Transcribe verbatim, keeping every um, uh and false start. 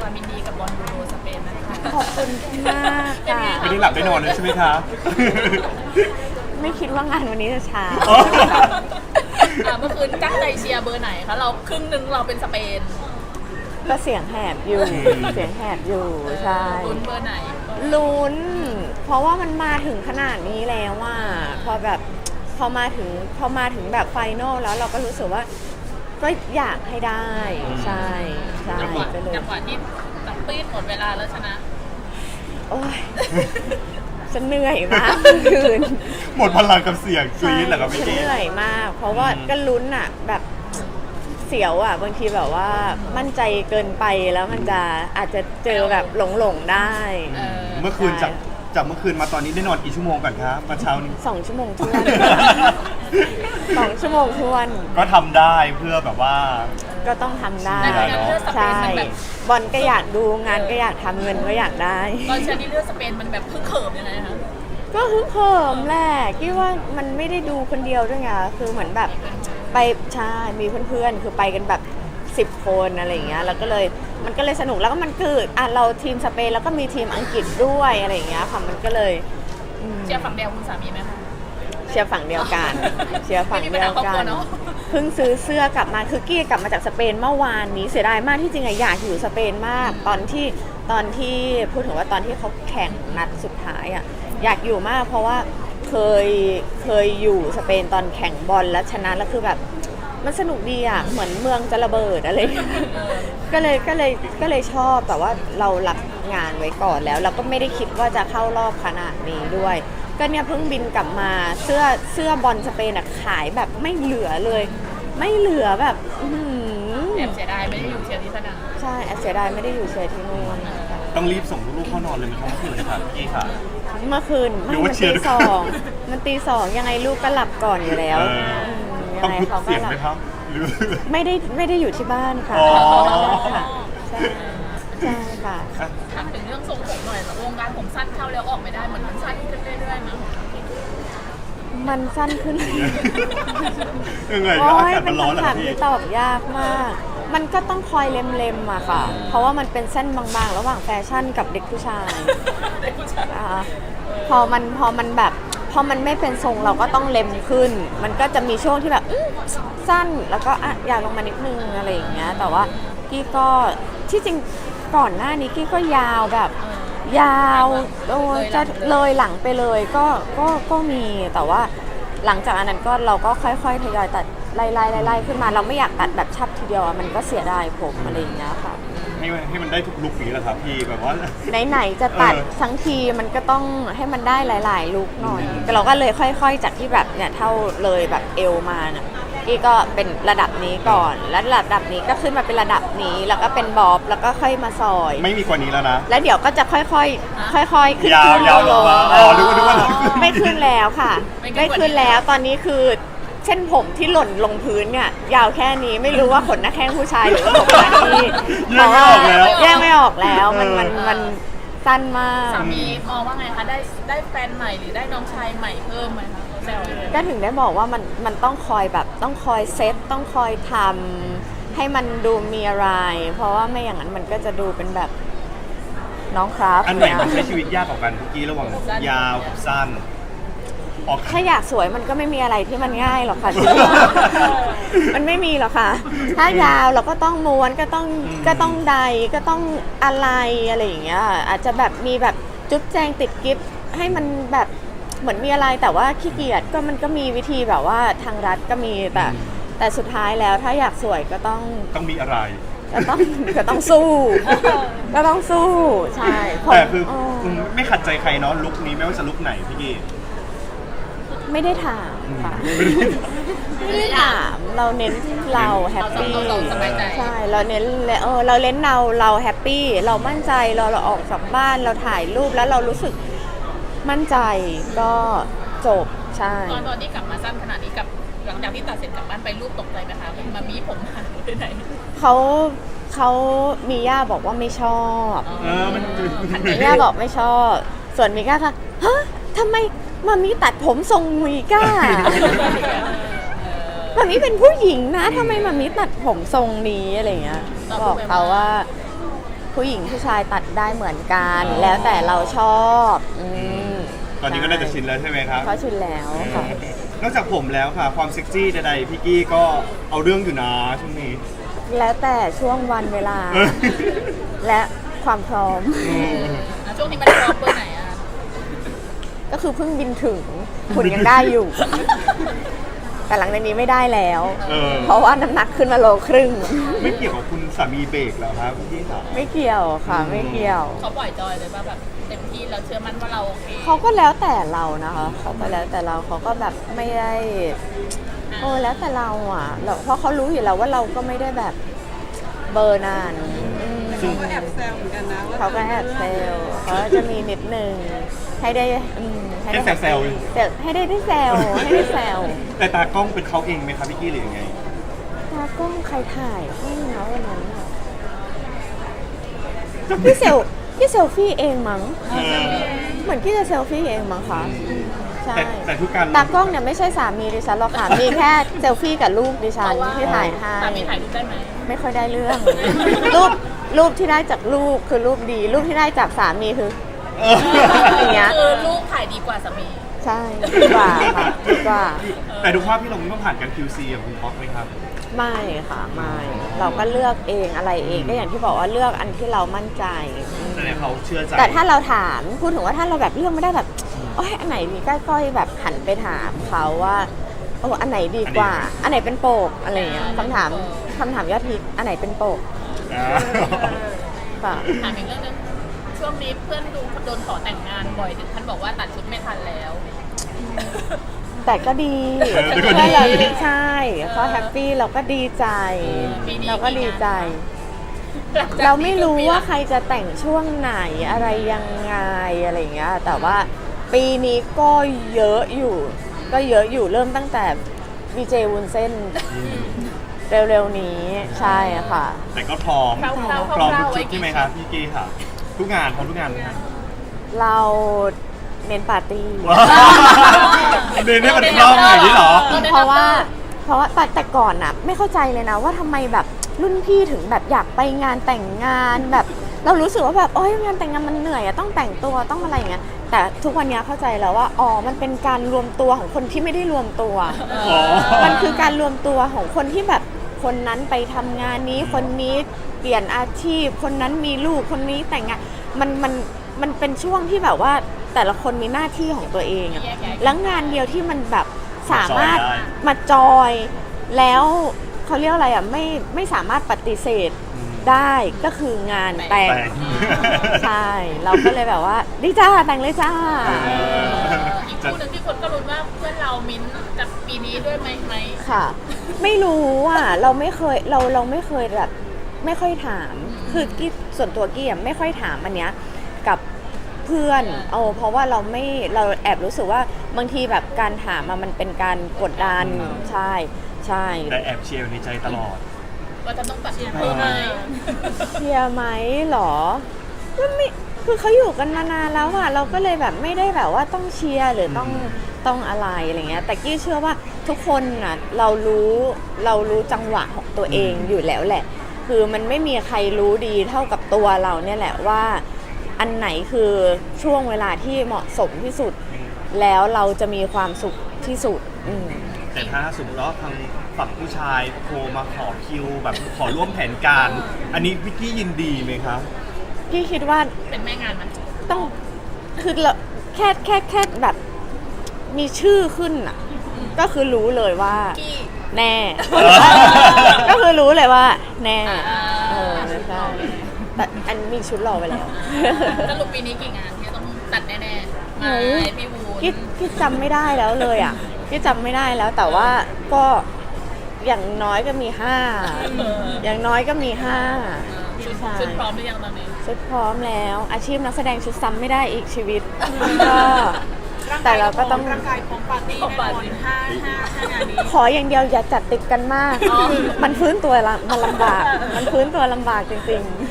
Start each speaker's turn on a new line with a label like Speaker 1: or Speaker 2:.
Speaker 1: ความยินดีกับบอลยูโรสเปนนะคะ
Speaker 2: ขอบคุณมากค่ะ
Speaker 3: ไม่ได้หลับได้นอนเลยใช่ไหมคะ
Speaker 2: ไม่คิดว่างานวันนี้จะช้า
Speaker 3: อ๋อ
Speaker 1: อ่ะเมื่อคืนตั้งใจเชียร์เบอร์ไหนคะเราครึ่งหนึ่งเราเป็นสเปน
Speaker 2: ก็เสียงแหบอยู่ เสียงแหบอยู่ใช่
Speaker 1: ลุ้นเบอร์ไหน
Speaker 2: ลุ้น เพราะว่ามันมาถึงขนาดนี้แล้วว่าพอแบบพอมาถึงพอมาถึงแบบไฟนอลแล้วเราก็รู้สึกว่าก็อยากให้ได้ใช่ใช่
Speaker 1: จังหวะ
Speaker 2: ไปเลย
Speaker 1: จังหวะที่ตับปีดหมดเวลาแล้วชนะ
Speaker 2: โอ้ยจะเหนื่อยมากเมื่อคืน
Speaker 3: หมดพลังกับเสียงกรี๊ดเหรอครับพี่
Speaker 2: ใช่
Speaker 3: กี้
Speaker 2: เหนื่อยมาก เพราะว่า
Speaker 3: อืม
Speaker 2: ก็ลุ้นอ่ะแบบเสียวอ่ะบางทีแบบว่ามั่นใจเกินไปแล้วมันจะอาจจะเจอแบบหลงหลงๆได้
Speaker 1: เออ
Speaker 3: เมื่อคืนจากจากเมื่อคืนมาตอนนี้ได้นอนกี่ชั่วโมงก่อนคะมาเช้านี้
Speaker 2: สองชั่วโมงทวน สองชั่วโมงทวน
Speaker 3: ก็ทำได้เพื่อแบบว่า
Speaker 2: ก็ต้องทำได้
Speaker 1: แต่การเลือกสเปน
Speaker 2: ใช่
Speaker 1: มันแบบ
Speaker 2: บอลก็อยากดูงานก็อยากทำเงินก็อยากได้
Speaker 1: ตอนเชียร์ที่เลือกสเปนมันแบบพึ่งเขิมยังไงคะ
Speaker 2: ก็ฮึกเหิมแหละคิดว่ามันไม่ได้ดูคนเดียวด้วยไงคือเหมือนแบบไปใช่มีเพื่อนๆ คือไปกันแบบสิบคนอะไรอย่างเงี้ยแล้วก็เลยมันก็เลยสนุกแล้วก็มันคืออ่ะเราทีมสเปนแล้วก็มีทีมอังกฤษด้วยอะไรอย่างเงี้ยค่ะมันก็เลยอืม
Speaker 1: เชียร์ฝั่งเดียวคุณสามีไหมคะ
Speaker 2: เชียร์ฝั่งเดียวกัน เชียร์ฝั่งเดียว
Speaker 1: ไม่มีปัญหาครอบ
Speaker 2: กั
Speaker 1: ครัวน เนอะ
Speaker 2: เพิ่งซื้อเสื้อกลับมาคือกี้กลับมาจากสเปนเมื่อวานนี้เสียดายมากที่จริงอะอยากอยู่สเปนมากตอนที่ตอนที่พูดถึงว่าตอนที่เขาแข่งนัดสุดท้ายอะอยากอยู่มากเพราะว่าเคยเคยอยู่สเปนตอนแข่งบอลแล้วชนะแล้วคือแบบมันสนุกดีอะเหมือนเมืองจะระเบิดอะไรอย่างเงี้ยก็เลยก็เลยก็เลยชอบแต่ว่าเรารับงานไว้ก่อนแล้วเราก็ไม่ได้คิดว่าจะเข้ารอบขนาดนี้ด้วย ก็เนี่ยเพิ่งบินกลับมาเสื้อเสื้อบอลสเปนอะขายแบบไม่เหลือเลย ไม่เหลือแบบอื้อหือ
Speaker 1: แอบเสียดายไม่ได้อยู่เชียร์ที่สนาม
Speaker 2: ใช่แอบเสียดายไม่ได้อยู่เชียร์ที่นู่น
Speaker 3: ต้องรีบส่งลูกๆเข้านอนเลยไหมครับเมื่อคืนค่ะพี่กี้ค่ะ
Speaker 2: เมื่อคืน
Speaker 3: ห
Speaker 2: ไม่
Speaker 3: รือว่า
Speaker 2: มัน
Speaker 3: เชีย
Speaker 2: ตี
Speaker 3: ร์ด้วย
Speaker 2: สองมันตีสองยังไงลูกก็หลับก่อนอยู่แล้ว
Speaker 3: เออ
Speaker 2: ม
Speaker 3: ต้อง
Speaker 2: ยังไง
Speaker 3: พึก
Speaker 2: เขาก็
Speaker 3: เสียง
Speaker 2: หลั
Speaker 3: ไหม
Speaker 2: บ
Speaker 3: ครับหรือ
Speaker 2: ไม่ได้ไม่ได้อยู่ที่บ้านค่ะ
Speaker 3: อ๋อ
Speaker 2: ค่ะใช่ใช่ค่ะ
Speaker 1: ถามถึงเรื่องทรงผมหน่อยวงการผมสั้นเข้าแล้วออกไม่ได้เหมือนมันสั้นขึ้นเรื่อยๆมั้ง
Speaker 2: มันสั้นขึ้น
Speaker 3: ยังไง
Speaker 2: โอ้
Speaker 3: ก็อาย กาศ
Speaker 2: เป็
Speaker 3: มัน นร้อนเหรอ
Speaker 2: คำถาม
Speaker 3: พี่
Speaker 2: ที่ตอบยากมาก มันก็ต้องคอยเล็มๆอะค่ะ เพราะว่ามันเป็นเส้นบางๆ ระหว่างแฟชั่นกับเด็กผู้ชาย
Speaker 1: เด็กผู้ชาย
Speaker 2: นะคะพอมันพอมันแบบพอมันไม่เป็นทรงเราก็ต้องเล็มขึ้น มันก็จะมีช่วงที่แบบอื้อสั้นแล้วก็อ่ะอยากลงมานิดนึงอะไรอย่างเงี้ย แต่ว่ากี้ก็ที่จริงก่อนหน้านี้กี้ก็ยาวแบบ ยาวโอ้จะเลยหลังไปเลยก็ก็ก็มีแต่ว่าหลังจากอันนั้นก็เราก็ค่อยๆทยอยตัดไล่ๆไล่ๆขึ้นมาเราไม่อยากตัดแบบชับทีเดียวอะมันก็เสียดายผมอะไรอย่างเงี้ยค่ะ
Speaker 3: ให้มันให้มันได้ทุกลุคนี้แหละครับพี่แบบว่า
Speaker 2: ไหนๆจะตัด
Speaker 3: เออ
Speaker 2: ทั้งทีมันก็ต้องให้มันได้หลายๆลุคหน่อยแต่เราก็เลยค่อยๆจากที่แบบเนี่ยเท่าเลยแบบเอวมาน่ะกี้ก็เป็นระดับนี้ก่อน แล้วระดับนี้ก็ขึ้นมาเป็นระดับนี้แล้วก็เป็นบ๊อบแล้วก็ค่อยมาซอย
Speaker 3: ไม่มีกว่านี้แล้วนะ
Speaker 2: แล้วเดี๋ยวก็จะค่อยๆ ค่อยๆ ขึ้น
Speaker 3: ยาว
Speaker 2: ขึ้น
Speaker 3: ยาวลงมาอ๋อนึกว่านึกว่า
Speaker 2: ไม่ขึ้นแล้วค่ะ ไม่ขึ้นแล้ว ตอนนี้คือเส้นผมที่หล่นลงพื้นเนี่ยยาวแค่นี้ไม่รู้ว่าขนหน้าแข้งผู้ชายหรือว่าผมหน้าที่
Speaker 3: แยกไม่ออกแล้ว
Speaker 2: แยกไม่ออกแล้ว มันมันมันสั้นมาก
Speaker 1: สามีมองว่าไงคะได้ได้แฟนใหม่หรือได้น้องชายใหม่เพิ่มไหมคะแซวเลย
Speaker 2: ก็ถึงได้บอกว่ามันมันต้องคอยแบบต้องคอยเซตต้องคอยทำให้มันดูมีอะไร เพราะว่าไม่อย่างนั้นมันก็จะดูเป็นแบบน้องครับ
Speaker 3: อันไหน
Speaker 2: เนี่ย
Speaker 3: มันใช้ชีวิตยากกว่ากันพี่กี้ระหว่างยาวกับสั้นออก
Speaker 2: ถ้าอยากสวยมันก็ไม่มีอะไรที่มันง่ายหรอกค่ะ มันไม่มีหรอกค่ะ ถ้ายาวเราก็ต้องม้วนก็ต้องก็ต้องใดก็ต้องอะไรอะไรอย่างเงี้ย อาจจะแบบมีแบบจุ๊บแจงติดกิฟต์ให้มันแบบเหมือนมีอะไรแต่ว่าขี้เกียจก็มันก็มีวิธีแบบว่าทางรัฐก็มีแต่แต่สุดท้ายแล้วถ้าอยากสวยก็ต้อง
Speaker 3: ต้องมีอะไร
Speaker 2: ก็ต้องก็ต้องสู้ ก็ต้องสู้ใช่ผม
Speaker 3: แต่คือ
Speaker 2: เออ
Speaker 3: มไม่ขัดใจใครเนาะลุคนี้ไม่ว่าจะลุคไหนพี่กี้
Speaker 2: ไม่ได้ถามค่ะ ไม่ได้ถามเราเน้นเราแฮปปี้
Speaker 1: เราสบายใจ
Speaker 2: ใช่เราเน้นเออเราเน้นเราเราแฮปปี้เรามั่นใจเราเราออกจากบ้านเราถ่ายรูปแล้วเรารู้สึกมั่นใจก็จบใช่
Speaker 1: ตอนตอนที่กลับมาสั้นขนาดนี้กับหลังจากที่ตัดเสร็จกลับบ้านไปรูปตกใจไหมคะเป็นมามีผมหายไปไหน
Speaker 2: เขาเขามีย่าบอกว่าไม่ชอบ
Speaker 3: เออมัน
Speaker 2: มีย่าบอกไม่ชอบ ส่วนมีก้าค่ะฮะทำไมมามีตัดผมทรงมีก้า มามีเป็นผู้หญิงนะทำไมมามีตัดผมทรงนี้อะไรเงี้ยบอกเขาว่าผู้หญิงผู้ชายตัดได้เหมือนกัน แล้วแต่เราชอบอืม
Speaker 3: ตอนนี้ก็น่าจะชินแล้วใช่ไหมครับ
Speaker 2: เขาชินแล้วค่ะ
Speaker 3: นอกจากผมแล้วค่ะ ความเซ็กซี่ใดๆพี่กี้ก็เอาเรื่องอยู่นะช่วงนี้
Speaker 2: แล้วแต่ช่วงวันเวลา
Speaker 3: เออ
Speaker 2: และความพร้อม
Speaker 3: อืม
Speaker 1: แล้วช่วงนี้มันรอเบอร์ไหนอะ
Speaker 2: ก็คือเพิ่งบินถึงหุ่นยังได้อยู่ แต่หลังจากนี้ไม่ได้แล้ว
Speaker 3: เออ
Speaker 2: เพราะว่าน้ำหนักขึ้นมาโลครึ่ง
Speaker 3: ไม่เกี่ยวกับคุณสามีเบรกเหรอครับพี่กี้ค่ะ
Speaker 2: ไม่เกี่ยวค่ะ ไม่เกี่ยว
Speaker 1: เขาปล่อยจอยเลยว่าแบบเต็มที่เราเชื่อมั่นว่าเราโอเค
Speaker 2: เขาก็แล้วแต่เรานะคะเขาก็แล้วแต่เราเขาก็แบบไม่ได้โอ้แล้วแต่เราอ่ะเราเพราะเขารู้อยู่แล้วว่าเราก็ไม่ได้แบบเบอร์นานอืม
Speaker 3: ซึ่ง
Speaker 4: ก็แอบแซวเหมือนกันนะว่า
Speaker 2: เขาก็แอบเซลเขาก็จะมีนิดนึงให้ได้อืม
Speaker 3: ให้แซว
Speaker 2: เซลให้ได้ได้แซวให้ได้แซว
Speaker 3: แต่ตากล้องเป็นเขาเองไหมครับพี่กี้หรือยังไง
Speaker 2: ตากล้องใครถ่ายให้นะวันนั้นอะพี่เซลพี่เซลฟี่เองมั้ง
Speaker 3: เออ
Speaker 2: เหมือนพี่จะเซลฟี่เองมั้งคะใช่
Speaker 3: แต่แต่ทุกการ
Speaker 2: ตากล้องเนี่ยไม่ใช่สามีดิฉันหรอกค่ะ มีแค่เซลฟี่กับลูกดิฉันที่ถ่ายให้
Speaker 1: สามีถ่ายรูปได้ไหม
Speaker 2: ไม่ค่อยได้เรื่อง รูปรูปที่ได้จากลูกคือรูปดี รูปที่ได้จากสามีคือ
Speaker 3: เออ
Speaker 2: อย่างเงี้ย
Speaker 1: คือลูกถ่ายดีกว่าสามี
Speaker 2: ใช่ดีกว่าค่ะดีกว่า
Speaker 3: แต่ดูภาพพี่ลงต้องผ่านการ คิว ซี กับคุณท็อปไหมครับ
Speaker 2: ไม่ค่ะไม่เราก็เลือกเองอะไรเองก็อย่างที่บอกว่าเลือกอันที่เรามั่นใจ
Speaker 3: แสดงเขาเชื่อใจ
Speaker 2: แต่ถ้าเราถามพูดถึงว่าถ้าเราแบบเลือกไม่ได้แบบโอ้ยอันไหนดีก้อยๆแบบหันไปถามเขาว่าโอ้อันไหนดีกว่า อันไหนเป็นโปกอะไรอย่างเงี้ยคำถามคำถามยอดฮิตอันไหนเป็นโปก
Speaker 3: อ่า
Speaker 2: ค่ะ
Speaker 1: ถามอีกเรื่องหนึงช่วงนี้เพื่อนดูโดนขอแต่งงานบ่อยถึงท่านบอกว่าตัดชุดไม่ทันแล้ว
Speaker 2: แต่ก็ดี
Speaker 3: เออแต่ก็ดี
Speaker 2: เราใช่เขาแฮปปี้เราก็ดีใจ
Speaker 1: ปีนี้
Speaker 2: เราก็ดีใจ
Speaker 1: หลังจก
Speaker 2: เราไม่รู้ว่า
Speaker 1: นี้
Speaker 2: ใครจะแต่งช่วงไหนอะไรยังไงอะไรอย่างเงี้ยแต่ว่าปีนี้ก็เยอะอยู่ ก็เยอะอยู่เริ่มตั้งแต่วีเจวุ้นเส้นเร็วๆนี้ใช่ค่ะ
Speaker 3: แต่ก็พร้อม
Speaker 1: คร่าวๆ
Speaker 3: พร้อมทุก
Speaker 1: คร่าวๆ
Speaker 3: ชุดใช่ไหมครับพี่กี้ค่ะ ทุกงานพร้อมทุกงานไหมครับ
Speaker 2: เราเน้นปาร์ตี้
Speaker 3: ว้าวเดินให้มันคล่องอย่างนี้เหรอ
Speaker 2: เพราะว่าเพราะว่าแต่แต่ก่อนน่ะไม่เข้าใจเลยนะว่าทำไมแบบรุ่นพี่ถึงแบบอยากไปงานแต่งงานแบบ เรารู้สึกว่าแบบโอ๊ยงานแต่งงานมันเหนื่อยอะต้องแต่งตัวต้องอะไรอย่างเงี้ยแต่ทุกวันนี้เข้าใจแล้วว่าอ๋อมันเป็นการรวมตัวของคนที่ไม่ได้รวมตัว
Speaker 3: อ๋อ
Speaker 2: มันคือการรวมตัวของคนที่แบบคนนั้นไปทำงานนี้คนนี้เปลี่ยนอาชีพ คนนั้นมีลูกคนนี้แต่งงานมันมันมันเป็นช่วงที่แบบว่าแต่ละคนมีหน้าที่ของตัวเองอะ
Speaker 1: แยกย้ายกัน
Speaker 2: แล้วงานเดียวที่มันแบบสามารถ
Speaker 3: จอยได้
Speaker 2: มาจอยแล้วเขาเรียกอะไรอ่ะไม่ไม่สามารถปฏิเสธได้ก็คืองานแต่ง
Speaker 3: แต่ง
Speaker 2: ใช่ เราก็เลยแบบว่าดีจ้าแต่งเลยจ้า
Speaker 1: เอออีกคู่หนึ่งที่คนก็รุ้นว่าเพื่อนเรามิ้นท์กับปีนี้ด้วยไหมไหม
Speaker 2: ค่ะ ไม่รู้อ่ะเราไม่เคยเราเราไม่เคยแบบไม่ค่อยถามคือกี้ส่วนตัวกี้อ่ะไม่ค่อยถามอันเนี้ยกับเพื่อนเอาเพราะว่าเราไม่เราแอบรู้สึกว่าบางทีแบบการถามอะมันเป็นการกดดันใช่ใช่
Speaker 3: แต่แอบเชียร์อยู่ในใจตลอด
Speaker 1: ว่าจะต้องตัดเพิ่มไหม
Speaker 2: เชียร์ไหมเหรอก็ไม่คือเขาอยู่กันมานานแล้วอะเราก็เลยแบบไม่ได้แบบว่าต้องเชียร์หรือต้องต้องอะไรอะไรเงี้ยแต่กี้เชื่อว่าทุกคนน่ะเรารู้เรารู้จังหวะของตัวเองอยู่แล้วแหละ คือมันไม่มีใครรู้ดีเท่ากับตัวเราเนี่ยแหละว่าอันไหนคือช่วงเวลาที่เหมาะสมที่สุด แล้วเราจะมีความสุขที่สุดอืม
Speaker 3: แต่ถ้าสมมติว่าทางฝั่งผู้ชายโทรมาขอคิวแบบขอร่วมแผนการ อันนี้วิกกี้ยินดีไหมครับ
Speaker 2: พี่คิดว่า
Speaker 1: เป็นแม่งานมัน
Speaker 2: ต้องคือเราแค่แค่แค่แบบมีชื่อขึ้นอ่ะ ก็คือรู้เลยว่า
Speaker 1: กี้
Speaker 2: แน่ ก็คือรู้เลยว่า แน่
Speaker 1: อ่า
Speaker 2: เออใช่แต่อันมีชุดรอไปแล้ว
Speaker 1: สรุปปีนี้กี่งานที่ต้องตัดแน่ๆ
Speaker 2: โอ้
Speaker 1: มาย พี่วูน
Speaker 2: คิดคิดจำไม่ได้แล้วเลยอ่ะคิดจำไม่ได้แล้วแต่ว่าก็อย่างน้อยก็มีห้า
Speaker 1: เออ
Speaker 2: อย่างน้อยก็มีห้า
Speaker 1: ชุด
Speaker 2: ใช่
Speaker 1: ชุดพร้อมหรือยังตอนนี้
Speaker 2: ชุดพร้อมแล้ว อาชีพนักแสดงชุดซ้ำไม่ได้อีกชีวิตก็แต่เราก็ต้อง
Speaker 4: ร่างกายพร้อมปาร์ตี้แน่นอนห้าห้าห้างานนี้
Speaker 2: ขออย่างเดียวอย่าจัดติดกันมาก
Speaker 1: อ๋อ
Speaker 2: มันฟื้นตัวละมันลำบาก มันฟื้นตัวลำบากจริง